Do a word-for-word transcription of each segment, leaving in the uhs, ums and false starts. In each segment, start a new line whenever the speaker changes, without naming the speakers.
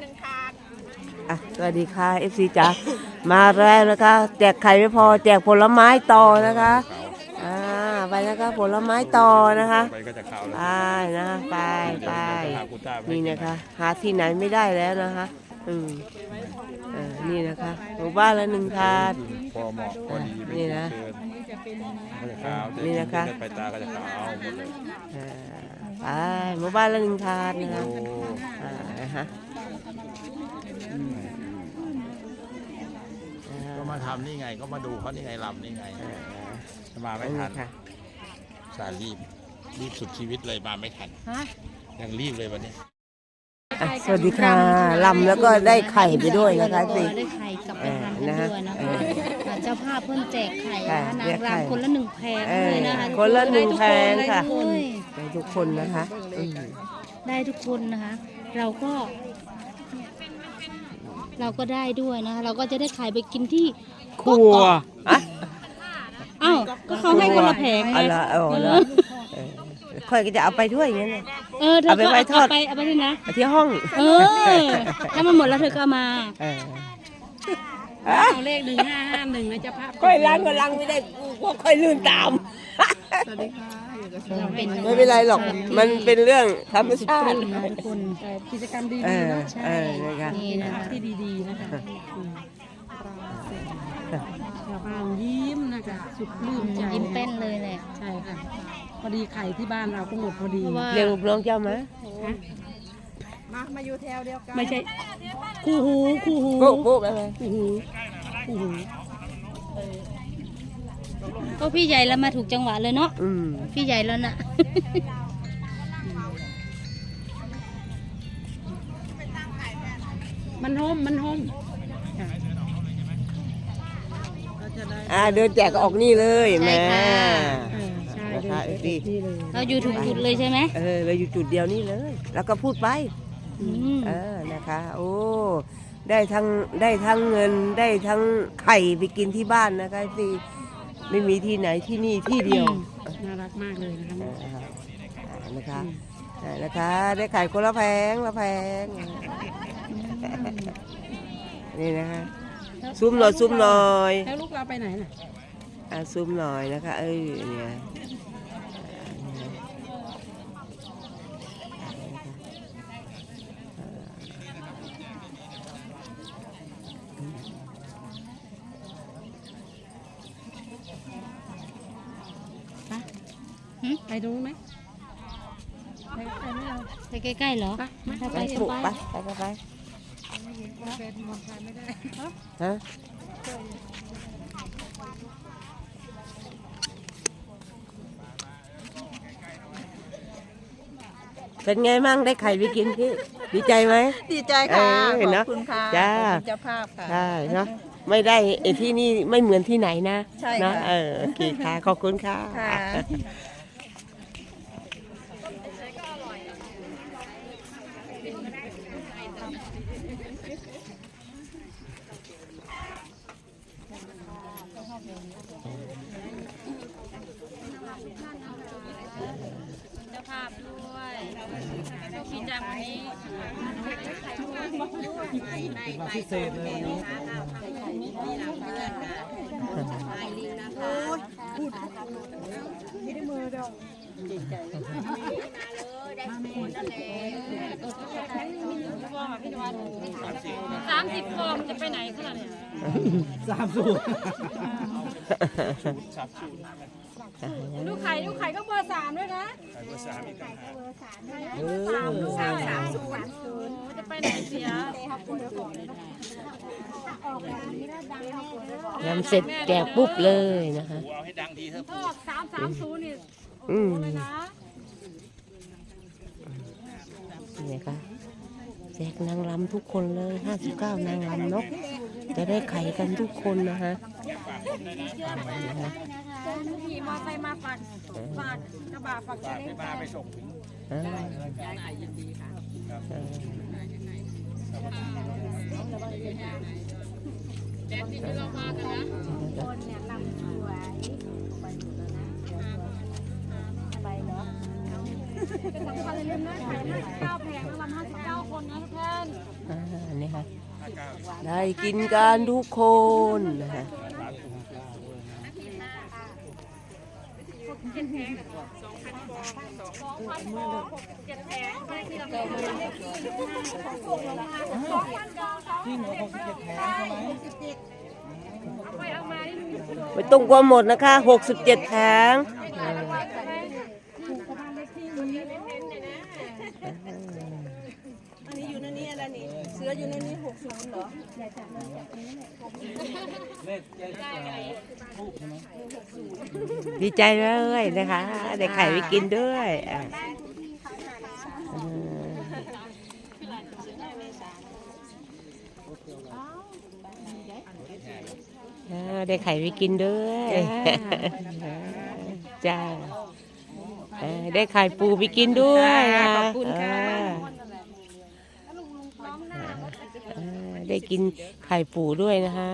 หนึ่งถาด
อ่ะสวัสดีค่ะ เอฟ ซี จ๋ามาแล้วนะคะแจกไข่ไม่พอแจกผลไม้ต่อนะคะอ่าไปนะคะผลไม้ต่อนะคะ
ไปก็จะขาวแล้ว
ไปนะไปไปนี่นะคะหาที่ไหนไม่ได้แล้วนะคะอืมอ่านี่นะคะหมู่บ้านละหนึ่งถาด
พอเหมาะพอดีไม่
นี่
เกิ
นะ
นก็จะขาว
นี่นะคะ
ไปตาก็จะขาวหมดเลย
อ่าไปหมู่บ้านละหนึ่งถาดนะคะ
โอ้
อ่านะคะ
ก็มาทำนี่ไงก็มาดูเขานี่ไงลำนี่ไงมาไม่ทัน
ค่ะ
สารรีบรีบสุดชีวิตเลยมาไม่ทันยังรีบเลยวันนี้
อ่ะสวัสดีค่ะลำแล้วก็ได้ไข่ไปด้วยนะคะสิ
ได้ไข่กลับไปทานกันด้วยนะคะอ่าเจ้าภาพเพิ่นแจกไข่นะคะนางรำคนละหนึ่งแผงเลยนะคะ
คนละหนึ่งแพงค่ะ
ได้ทุกคน
ได้ทุกคนนะคะอืม
ได้ทุกคนนะคะ เราก็ เราก็ได้ด้วยนะคะ เราก็จะได้ไข่ไปกินที่
ครัวอ่ะ
อ้าวก็เขาให้คนละแผงไง
เอาละเอาละเออค่อยก็จะเอาไปด้วยอย่างเงี้ย
เออเธอ
เอาไป
ก็
ไว้ทอด
เอาไปเอาไปด้วยนะ
เอาที่ห้อง
เออถ้ามันหมดแล้วเธอก็เอามา
เออ
เอาเลขหนึ่งห้าห้าหนึ่งนะเจ้าภาพ
ค่อยล้างก็ล้างไม่ได้พวกค่อยลื่นตาม
สวัสดีค่ะอยู่กับ
เราเป็น
ไม่เป็นไรหรอกมันเป็นเรื่องธรรมชาติ
นะทุกคน
กิจกรรมดี
เอ
ๆ
อ
เนาะ
เออนะคะ
นี่นะคะ
ที่ดีๆนะคะชาวบ้านยิ้มนะคะสุดปลื้มใจ
ยิ้มแป้นเลยแหละ
ใช่ค่ะพอดีไข่ที่บ้านเราก็หมดพอดี
เพราะว่า
เรียกลูกน้องเจ้ามา
มามาอยู่แถวเดียวกัน
ไม่ใช่คู่หูคู่หู
ปุ๊บปุ๊บอะไร
คู่หูคู่หูก็พี่ใหญ่แล้วมาถูกจังหวะเลยเนาะ
อืม
พี่ใหญ่แล้วน่ะ
มันโฮมมันโฮม
อ่าเดินแจกก็ออกนี่เลยแม่
ใช่ค่ะ
เออใช่
นะคะ
เล
เอย ฟซี
นี่เลย
เราอยู่ถูกจุดเลยใช่ไหม
เออเราอยู่จุดเดียวนี่เลย แล้วก็พูดไป
อืม
เออนะคะ โอ้ได้ทั้งได้ทั้งเงินได้ทั้งไข่ไปกินที่บ้านนะคะเอฟซีไม่มีที่ไหนที่นี่ที่เดียว
น่ารักมากเลยนะคะ
เอออ่านะคะอ่านะคะ ได้ไข่คนละแพงละแพงนี่นะคะซุ้มหน่อยซุ้มหน่อย
แล้วลูกเราไปไหนน่ะ
อ่าซุ้มหน่อยนะคะ เอ้ยเนี่ย
ไปดูไหมไปไปไม่เอา
ไปใกล้ๆเหรอ
ไปไม่
ถ้า
ไป
ไป
ปลุก
ไป
ไปไปไปไป
เป็นมอไซค์ไม่ได้
ฮะเป็นไงมั่งได้ไข่ไปกินพี่ดีใจไหม
ดีใจค่ะ
เออ
ข
เน
อ
อะ
บคุณค่ะ
จ้า
ขอบคุณเจ้าภาพค่ะ
ใช่เนาะไม่ได้ไอ้ที่นี่ไม่เหมือนที่ไหนนะ
ใช่
เนาะ
ค่ะ
เออโอเคค่ะ ขอบคุณค่ะ
ค่ะ
เจ้าภาพด้วยกินจังวันนี้
พิเศษเลยวันนี้
สามสิบฟองจะไปไหนขนาดนี้
สามสูตร
ดูไข่ดูไข่ก็เบอร์สามด้วยนะ
เออ
สามสามสามศูนย์จะไปไหนเสีย
ยำเสร็จแจกปุ๊บเลยนะคะ
ถ้าออกสามสามศูนย์นี่
อืม
เลยนะ
นี่ค่ะแจกนางรำทุกคนเลยห้าสิบเก้านางรำเนาะจะได้ไข่กันทุกคนนะคะ
ขี่มอไซค์มาฝากฝากกระบะฝากเล็กมาไปส่ง
อ่าเออ
สำคัญเลยนะไข่ห้าสิบเก้าแผงแล้วลำห้าสิบเก้าคนนะทุกท่าน
อ่าได้กินกันทุกคนนะฮะไม่ต้องกลัวหมดนะคะหกสิบเจ็ดแผง
เสืออยู่ในนี้หกศูนย์เหรอ
ดีใจเลยนะคะได้ไข่ไปกินด้วยอ่ะอ่าได้ไข่ไปกินด้วยจ้าอ่าได้ไข่ปูไปกินด้วยขอบคุณค่ะได้กินไข่ปูด้วยนะคะ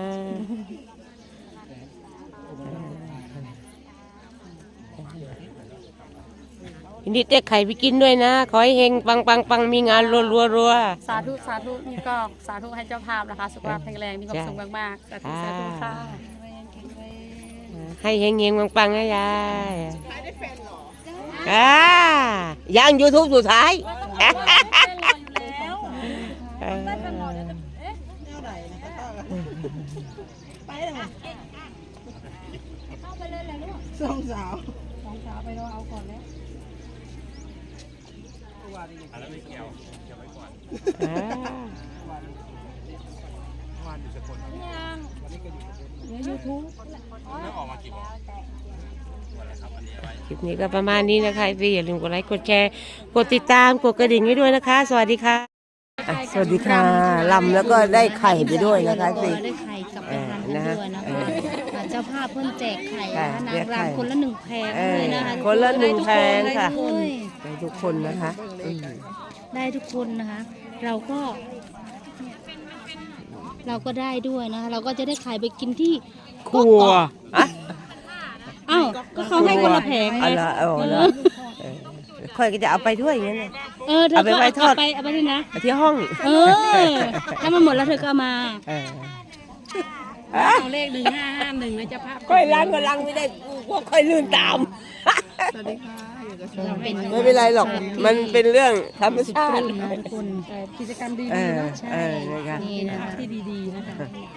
ยินดีได้ไข่ไปกินด้วยนะขอให้เฮงปังปังปังมีงานรัวรัวรัว
สาธุสาธุนี่ก็สาธุให้เจ้าภาพนะคะสุขภาพแข็งแรงมีความสุขมากๆสาธุสาธุค่ะ
ให้เฮงเฮงปังปังนะยายอ่ายังยูทูบสุดท้าย
สองสาวสองสาวไปรอเอาก่อนแล้ว
อะไรไม่เกี่ยวเกี่ยวไว้ก่อน
ยังในยูทูบ
แล้วออกมากี่โมง
คลิปนี้ก็ประมาณนี้นะคะพี่อย่าลืมกดไลค์กดแชร์กดติดตามกดกระดิ่งให้ด้วยนะคะสวัสดีค่ะอ่ะสวัสดีค่ะลำแล้วก็ได้ไข่ไปด้วยนะคะสิ
ได้ไข่กลับไปทานกันด้วยนะคะอ่าเจ้าภาพเพิ่นแจกไข่นะคะนางรำคนละหนึ่งแผงเลยนะคะ
คนละหนึ่งแผงค่ะ
ได้ทุกน
ได้ทุกคนนะคะอืม
ได้ทุกคนนะคะ เราก็ เราก็ได้ด้วยนะคะ เราก็จะได้ไข่ไปกินที่
ครัวอ่ะ
อ้าวก็เขาให้คนละแผงไง
เอาละเอาละเออค่อยก็จะเอาไปด้วยอย่างเงี้ย
เออเธอ
เอาไป
ก็
ไว้ทอด
เอาไปเอาไปด้วยนะ
เอาที่ห้อง
เออถ้ามันหมดแล้วเธอก็เอามา
เออ
เอาเลขหนึ่งห้าห้าหนึ่งนะเจ้าภาพ
ค่อยล้างก็ล้างไม่ได้พวกค่อยลื่นตาม
สวัสดีค่ะอยู่กับ
เราเป็น
ไม่เป็นไรหรอกมันเป็นเรื่องธรรมชาติ
นะทุกคน
กิจกรรมดี
เอ
ๆ
อ
เนาะ
เออนะคะ
นี่นะคะ
ที่ดีๆนะคะ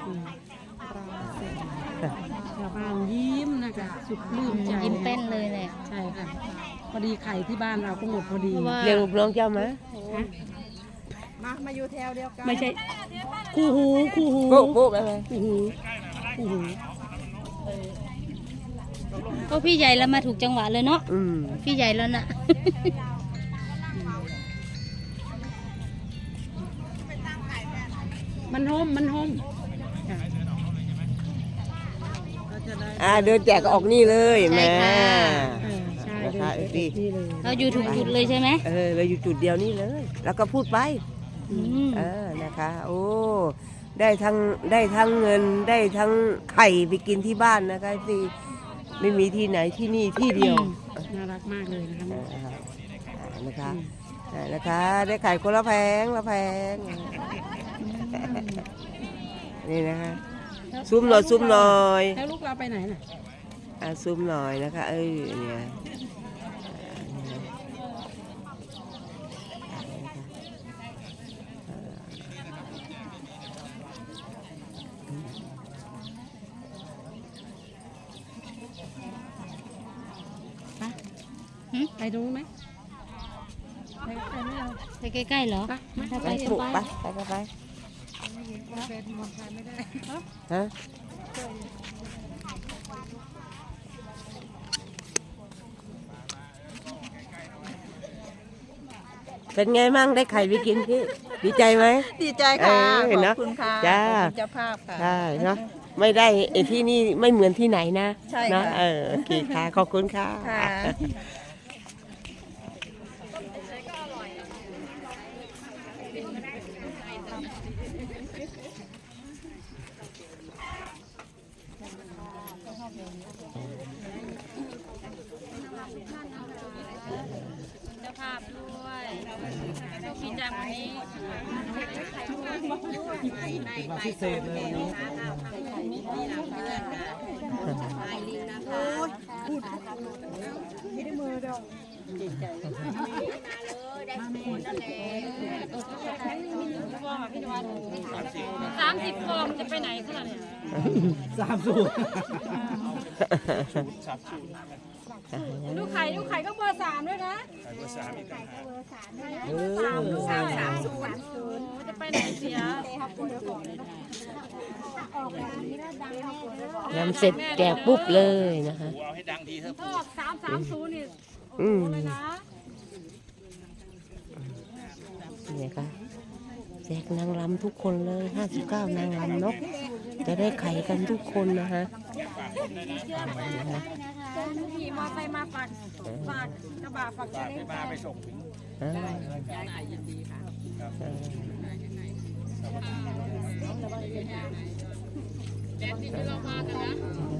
ชาวบ้านยิ้มนะคะสุดปลื้มใจ
ยิ้มแป้นเลยแหละ
ใช่ค่ะพอดีไข่ที่บ้านเราก็หมดพอดี
เพราะว่า
เรียกลูกน้องเจ้ามา
มามาอยู่แถวเดียวกันไม่ใช่คู่หูคู่หู
ปุ๊บปุ๊บไปไหม
คู่หูคู่หู
ก็พี่ใหญ่แล้วมาถูกจังหวะเลยเนาะ
อืม
พี่ใหญ่แล้วน่ะ
มันโฮมมันโฮม
อ่าเดินแจกก็ออกนี่เลยแม่
ใช่ค่ะ
เออใช่
นะคะ
เลย
ดี
นี่เลย
เราอยู่ถูกจุดเลยใช่ไหม
เออเราอยู่จุดเดียวนี่เลย แล้วก็พูดไป
อืม
เออนะคะ โอ้ได้ทั้งได้ทั้งเงินได้ทั้งไข่ไปกินที่บ้านนะคะสิไม่มีที่ไหนที่นี่ที่เดียว
น่ารักมากเลยนะคะ
เออนะคะอ่านะคะ ได้ไข่คนละแพงละแพงนี่นะคะซุ้มหน่อยซุ้มหน่อย
แล้วลูกเราไปไหนน่ะ
อ่ะซุ้มหน่อยนะคะเอ้ยเนี่ย
ไปดูไหมไปไปไม่เอา
ไปใกล้ๆเหรอ
ไปมา
ถ้า
ไป
ไป
ปลุก
ไป
ไปไปไปไปฮะเป็นไงมั่งได้ไข่ไปกินพี่ดีใจไหม
ดีใจค่ะ
เออ
ข
เน
อ
อะ
บคุณค่ะ
จ้า
ขอบคุณเจ้าภาพค่ะ
ใช่เนาะไม่ได้ไอ้ที่นี่ไม่เหมือนที่ไหนนะ
ใช่
เนาะ
ค่ะ
เออโอเคค่ะ ขอบคุณค่ะ
ค่ะ
เจ้าภาพด้วยโชคดีจังวันนี้
เป็นวันพิเศษเลยวันนี้
สามสิบฟองจะไปไหนขนาดนี้
สามสูตร
ดูไข่ดูไข่ก็เบอร์สามด้วยนะ
เออ
สามสามสามศูนย์จะไปไหนเสีย
ยำเสร็จแจกปุ๊บเลยนะคะ
เอาให้ดังทีเถอะ
ถ้าออกสามสามศูนย์นี่
อืม
เลยนะ
นี่ค่ะแจกนางรำทุกคนเลยห้าสิบเก้านางรำเนาะจะได้ไข่กันทุกคนนะคะ
ขี่มอไซค์มาฝากฝากกระบะฝากเล็ก
มาไปส่งถึง
อ่า
แดนที่เรามากันนะ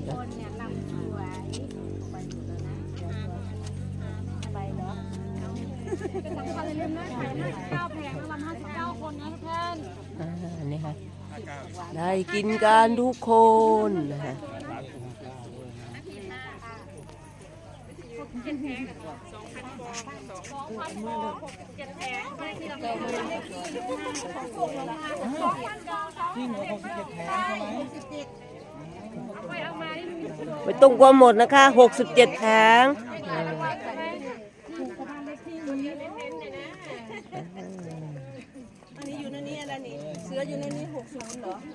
เป็นสำคัญเลยนะไข่ห้าสิบเก้าแผงละห้าสิบเก้าคนนะทุกท่าน
อ่านี่ค่ะได้กินกันทุกคนนะคะ
สองพันฟองหกสิบเจ็ดแผงให้ที่เราไปทำ
จริงเหรอหกสิบเจ็ดแผงใช่ไหม
เอาไปเอามานี่มีโปร
ไม่ต้องกลัวหมดนะคะหกสิบเจ็ดแผง
เอาไว้ใช่ไหมถูกประมาณเลขที่นี้เน้นๆเลยนะ
อันนี้อยู่ในนี้อะไรนี่ เสืออยู่ในนี้หกศูนย์เหรอ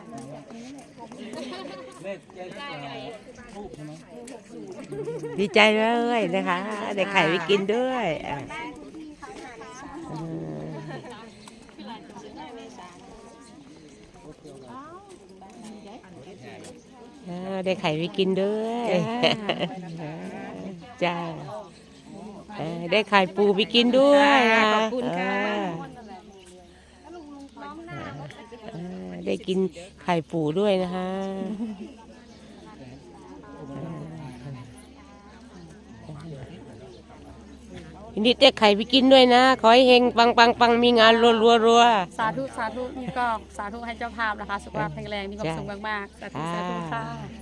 เลขเลขทูบใช่ไหม
ดีใจเลยนะคะได้ไข่ไปกินด้วยอ่าอ่าได้ไข่ไปกินด้วยจ้าอ่าได้ไข่ปูไปกินด้วยขอบคุณค่ะได้กินไข่ปูด้วยนะคะนี่ได้ไข่ไปกินด้วยนะขอให้เฮงปังปังปังมีงานรัวรัวรัว
สาธุสาธุนี่ก็สาธุให้เจ้าภาพนะคะสุขภาพแข็งแรงมีความสุขมากๆสาธุสาธุค่ะ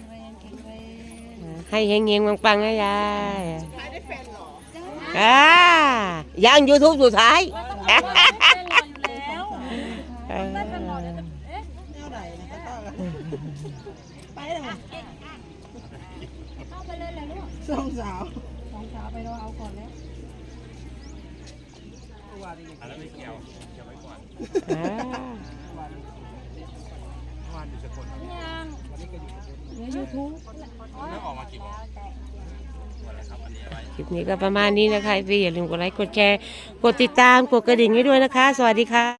ให้เฮงเฮงปังปังนะยายอ่ายังยูทูบสุดท้าย
สองสาว
อะไรไม่เกี่ยวเกี่ยวไว้ก่อน
อ่า
เมื่อวานอยู่สกลแล้วออกมากี่โมงวันอะไรครับอันนี้อะไร
คลิปนี้ก็ประมาณนี้นะคะพี่อย่าลืมกดไลค์กดแชร์กดติดตามกดกระดิ่งให้ด้วยนะคะ สวัสดีค่ะ